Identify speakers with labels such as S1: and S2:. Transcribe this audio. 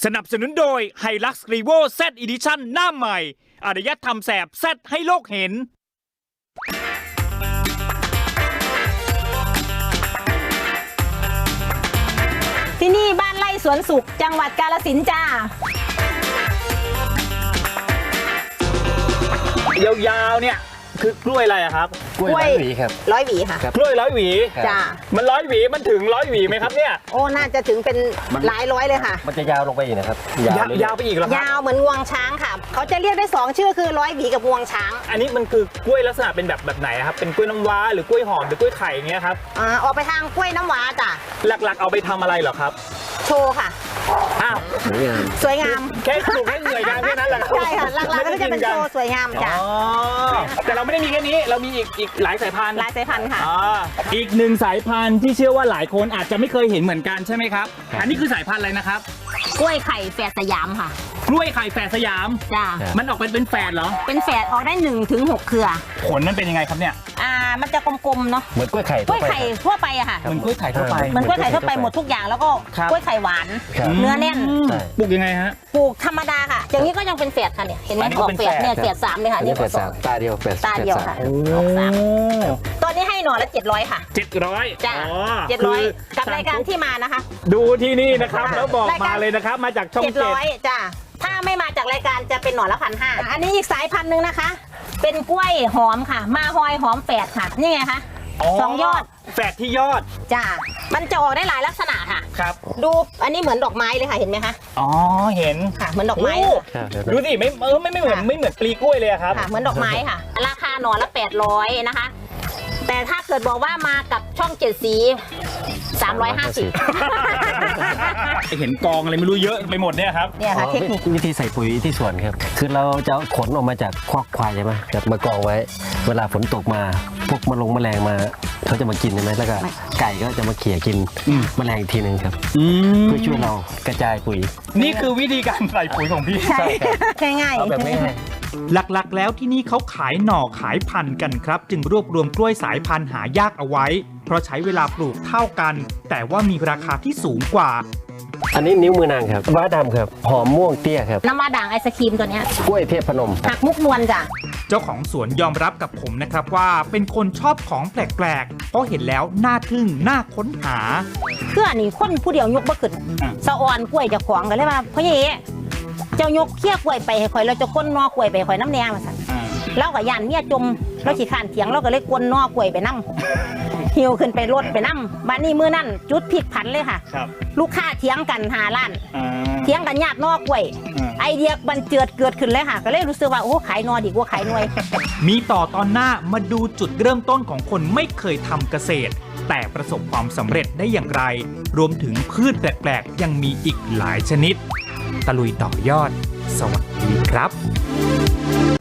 S1: สนับสนุนโดย Hilux Revo Z Edition หน้าใหม่อารยธรรมแสบ Z ให้โลกเห็น
S2: ที่นี่บ้านไร่สวนสุขจังหวัดกาฬสินธุ์จ้
S1: ายาวๆเนี่ยคือกล้วยอะไรอะครับ
S3: กล้วยร้อยหวีครับ
S2: ร้อยหวีค่ะ
S1: กล้วย100 หวี
S2: จ้า
S1: มัน100 หวีมันถึง100 หวีไหมครับเนี่ย
S2: โอ้น่าจะถึงเป็นหลายร้อยเลยค่ะ
S3: มันจะยาวลงไปอีกนะครับ
S1: ยาวไปอีกเหรอครับ
S2: ยาวเหมือนงวงช้างค่ะเขาจะเรียกได้2ชื่อคือร้อยหวีกับงวงช้าง
S1: อันนี้มันคือกล้วยลักษณะเป็นแบบไหนครับเป็นกล้วยน้ำว้าหรือกล้วยหอมหรือกล้วยไข่อย่างเงี้ยครับ
S2: ออกไปทางกล้วยน้ำว้าจ้ะ
S1: หลักๆเอาไปทำอะไรเหรอครับ
S2: โชว์ค่ะ
S1: อ้าว
S2: สวยงาม
S1: แค่ปลูกให้เหนื่อยงานแค่นั้นแหละ
S2: ใช่ค่ะหลักๆก็จะเป็นโชว์สวยงามจ้ะ
S1: อ๋อแต่เราไม่ได้มีแค่นี้เรามีอีกหลายสายพันธุ์
S2: ลายสายพันธุ์ค่ะ
S1: อีกหนึ่งสายพันธุ์ที่เชื่อว่าหลายคนอาจจะไม่เคยเห็นเหมือนกันใช่ไหมครับอันนี้คือสายพันธุ์อะไรนะครับ
S2: กล้วยไข่แฝดสยามค่ะ
S1: กล้วยไข่แฝดสยาม
S2: จ้า
S1: มันออกเป็นแฝดเหรอ
S2: เป็นแฝดออกได้1 ถึง 6 เครือ
S1: ผลมันเป็นยังไงครับเนี่ย
S2: มันจะกลมๆเนาะ
S3: เหมือนกล้วยไข่
S2: กล้วยไข่ทั่วไปอะค่ะ
S1: เหมือนกล้วยไข่ทั่วไป
S2: เหมือนกล้วยไข่ทั่วไปหมดทุกอย่างแล้วก็
S1: ครับ
S2: กล้วยไข่หวาน
S3: ครับ
S2: เนื้อแน่น
S3: ใช่
S1: ปลูกยังไงฮะ
S2: ปลูกธรรมดาค่ะ อย่างนี้ก็ยังเป็นแฝดค่ะเนี่ย เห็นไหม
S1: อันนี้
S2: อ
S1: ก็
S2: อก
S1: เป็น
S2: แฝด
S1: แฝด
S2: เนี่ยแฝด3เลยค่ะ
S3: อันนี้
S2: นี่
S3: แปดสามตาเดียวแปด
S2: ตาเดียวค่ะ ออก3ตอนนี้ให้หน่อละ700ค่ะ
S1: 700
S2: จ้า
S1: อ๋อ
S2: 700กับรายการที่มานะคะ
S1: ดูที่นี่นะครับ
S2: ค่ะ
S1: แล้วบอก
S2: รายการ
S1: มาเลยนะครับมาจากช่อง7
S2: 700จ้าถ้าไม่มาจากรายการจะเป็นหน่อละ1,500อันนี้อีกสายพันธุ์หนึ่งนะคะ เป็นกล้วยหอมค่ะ มาฮอยหอมแฝดค่ะ นี่ไงคะ2 ยอด
S1: แฝดที่ยอด
S2: จ้ามันจะออกได้หลายลักษณะค่ะ
S1: ครับ
S2: ดูอันนี้เหมือนดอกไม้เลยค่ะเห็นไหมคะ
S1: อ๋อเห็น
S2: ค่ะ เหมือนดอกไม้
S1: โอ้
S2: เลย
S3: ครับ
S1: ดูสิไม่เหมือน
S2: ค่ะ
S1: ไม่เหมือนปลีกล้วยเลยอะครับ
S2: ค่ะเหมือนดอกไม้ค่ะ ราคาหน่อละ800นะคะ แต่ถ้าเกิดบอกว่ามากับช่อง7 สี350
S1: เห็นกองอะไรไม่รู้เยอะไปหมดเนี่ยครับ
S2: เนี่ยค่ะเทคนิค
S3: วิธีใส่ปุ๋ยที่สวนครับ คือเราจะเอาขนออกมาจากคอกควายใช่ไหมแบบมากองไว้ เวลาฝนตกมาพวกแมลงมาเขาจะมากินใช่ไหมแล้วก็ไก่ก็จะมาเขี่ยกินแมลงอีกทีหนึ่งครับเพื่อช่วยเรากระจายปุ๋ย
S1: นี่คือวิธีการใส่ปุ๋ยของพี่
S2: ใช่ง่าย
S3: เอาแบบง่าย
S1: หลักๆ แล้วที่นี่เขาขายหน่อขายพันธุ์กันครับ จึงรวบรวมกล้วยสายพันธุ์หายากเอาไว้ เพราะใช้เวลาปลูกเท่ากัน แต่ว่ามีราคาที่สูงกว่า
S3: อันนี้นิ้วมือนางครับว้าดำครับหอมม่วงเตี้ยครับ
S2: น้ำว้าด่างไอศครีมตัวเนี้ย
S3: กล้วยเทพพนมครับ
S2: หักมุกนวลจ้ะ
S1: เจ้าของสวนยอมรับกับผมนะครับว่าเป็นคนชอบของแปลกๆ เพราะเห็นแล้วน่าทึ่งน่าค้นหา
S2: เพื่อนี่คนผู้เดียวยกบ่ขึ้นสะออนกล้วยเจะขวางกันเลยว่าพ่อเย่เจ้ายกเคี้ยกล้วยไปให้ข่อยเราจะก้นนอกล้วยไปให้ข่อยน้ำแดงมาสั่นเรากับยานเมียจมเราขี้ข้านเถียงเราก็เลยก้นนอกล้วยไปน้ำหิวขึ้นไปรถไปน้ำบ้านนี้มื้อนั่นจุดพลิกผันเลยค่ะ
S1: ครับ
S2: ลูกค้าเถียงกันหาล้านเถียงกันญาตินอกกล้วยไอเดียบันเจิดเกิดขึ้นเลยค่ะ ก็เลยรู้สึกว่าโอ้ขายนอดีกว่าขายหน่วย
S1: มีต่อตอนหน้ามาดูจุดเริ่มต้นของคนไม่เคยทำเกษตร แต่ประสบความสำเร็จได้อย่างไร รวมถึงพืชแปลกๆ ยังมีอีกหลายชนิด ตะลุยต่อยอด สวัสดีครับ